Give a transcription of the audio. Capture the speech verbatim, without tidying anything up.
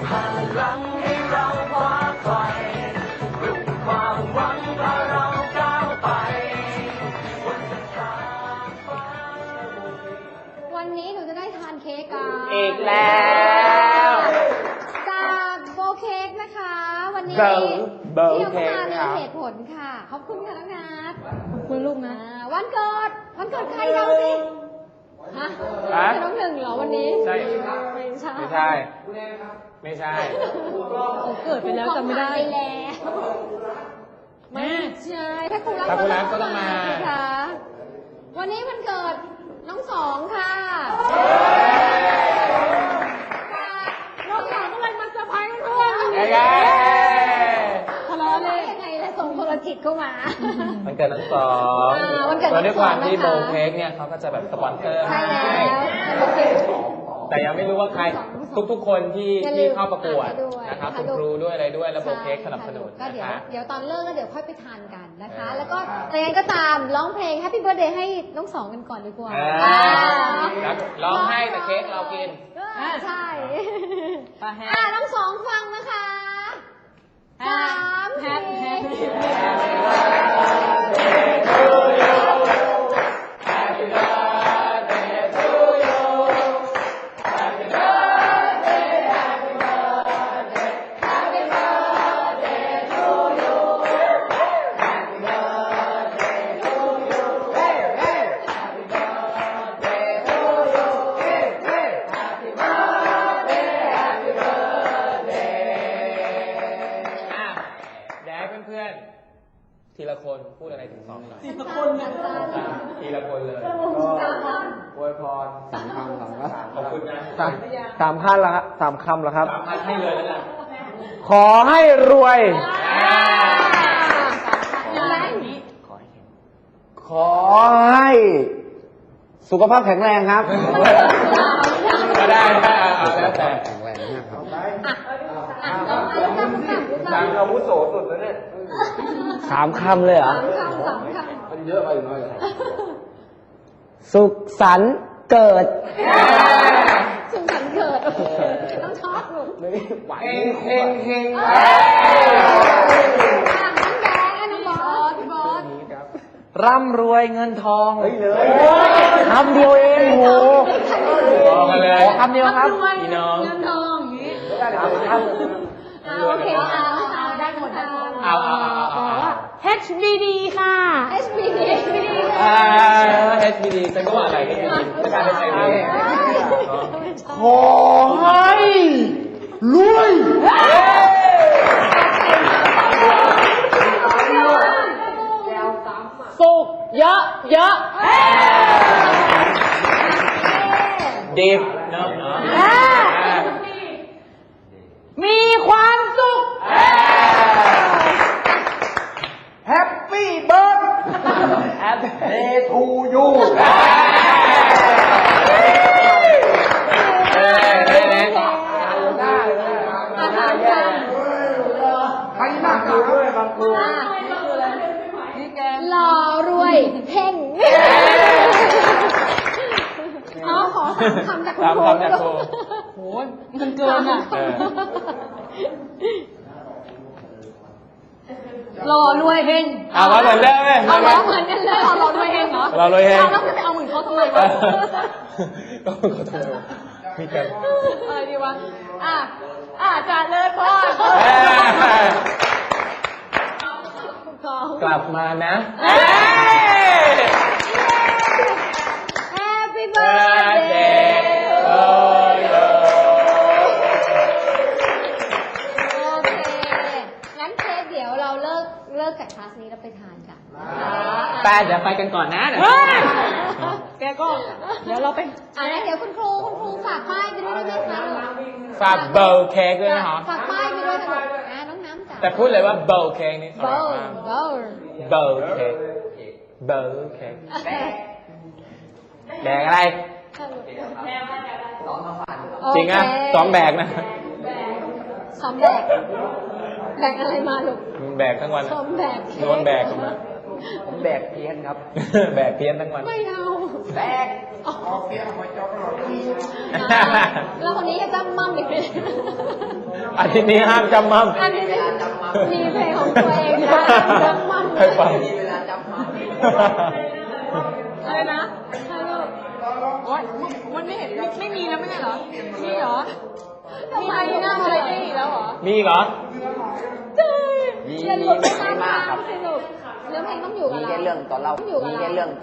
พลังให้เราคว้าไฟปลุกความหวังพาเราก้าวไปบนเส้นทางฟ้าวันนี้หนูจะได้ทานเค้กกันอีกแล้วจากโบเค้กนะคะวันนี้ที่เอามามีเหตุผลค่ะขอบคุณค่ะน้องนัทขอบคุณลูกนะวันเกิดวันเกิดใครเราสิฮะเป็นน้องหนึ่งเหรอวันนี้ใช่ไม่ใช่ไม่ใช่ไม่ใช่เกิดไปแล้วจำไม่ได้แล้วไม่ใช่ถ้าคุณรักก็ต้องมาค่ะวันนี้วันเกิดน้องสองค่ะน้องสองก็เลยมาเซอร์ไพรส์เพื่อนยังไงทะเลาะเลยยังไงแล้วส่งโทรจิตเข้ามาวันเกิดน้องสองวันเกิดน้องสองด้วยความที่โบเค้กเนี่ยเขาก็จะแบบสปอนเซอร์ให้แต่ยังไม่รู้ว่าใครทุกๆคนที่ที่เข้าประกวดนะครับคุณครูด้วยอะไรด้วยแล้วโบเค้กสนับสนุนก็เดี๋ยวเดี๋ยวตอนเลิกก็เดี๋ยวค่อยไปทานกันนะคะแล้วก็แต่ยังก็ตามร้องเพลง Happy Birthday ให้น้องสองกันก่อนดีกว่าร้องให้แต่เค้กเรากินใช่อ่าน้องสองฟังนะคะสามทีละคนพูดอะไรถึงสองหน่อยทีละคนทีละคนเลยอวยพรสามคำสามคำขอบคุณนะสามสามขั้นละครับสามคำแล้วครับสามพันให้เลยแล้วกันขอให้รวยขอให้สุขภาพแข็งแรงครับก็ได้ได้แล้วแต่แข็งแรงนะครับสามคำวุโสสุดแล้วเนี่ยสามคำเลยเหรอมันเยอะไปหน่อยสุขสันต์เกิดสุขสันต์เกิดต้องชอบลูกเฮงเฮงเฮงน้องแดงน้องบอสบอสร่ำรวยเงินทองคำเดียวเองโหบอกมาเลยคำเดียวครับพี่น้องเงินทองอย่างนี้โอเคเอาเอาได้หมดได้เอาเอาเอา H B D ค่ะ H B D อ่า H B D ฉันก็ว่าอะไรกันไม่การเป็นไงดีขอให้รวยสุขเยอะเยอะดิบเนาะมีความสุขแฮปปี้เบิร์ดแฮปปี้ทูยูใครนั่งอยู่ด้วยบางคนหล่อรวยเพ่งอ๋อขอคำจากคุณครูโหมันเกินอ่ะหล่อรวยเฮงเอาเหมือนเดิมเลยเอาล้อเหมือนกันเลยหล่อรวยเฮงเหรอหล่อรวยเฮงแล้วจะไปเอาเหมือนเขาทำไมวะก็เขาทำไมมีกันอะไรดีวะอ่ะอ่ะจัดเลยพ่อกลับมานะ Happy birthday โอเคงั้นเค้กเดี๋ยวเราเลิกเลิกจากคลาสนี้เราไปทานกันแต่เดี๋ยวไปกันก่อนนะแกก็เดี๋ยวเราไปอ่ะเดี๋ยวคุณครูคุณครูฝากป้ายไปด้วยได้ไหมคะฝากเบลเค้กด้วยนะคะฝากป้ายไปด้วยค่ะอ่ะน้องน้ำจ๋าแต่พูดเลยว่าเบลเค้กนี่เบลเบลเบลเค้กเบลเค้กแบกอะไรจริงอ่ะซ้อมแบกนะซ้อมแบกแบกอะไรมาลูกแบกทั้งวันซ้อมแบกนวลแบกผมแบกเพี้ยนครับแบกเพี้ยนทั้งวันไม่เอาแบกแล้วคนนี้จะจำมั่มอีกไหมอาทิตย์นี้ห้ามจำมั่มอันนี้มีเพลงของตัวเองนะจำมั่มค่อยไปอะไรนะใช่ลูกโอ๊ยมันไม่เห็นไม่ไม่มีแล้วไม่ใช่เหรอ มีเหรอทำไมมีหน้าอะไรได้อีกแล้วเหรอมีอีกเหรอใช่มีอย่าหลุดไปตามมีมากครับทางสิลูกเนื้อเพลงต้องอยู่กับมีเราแค่เรื่องตอนเล่าต้องอยู่กับมีเราแค่เรื่อง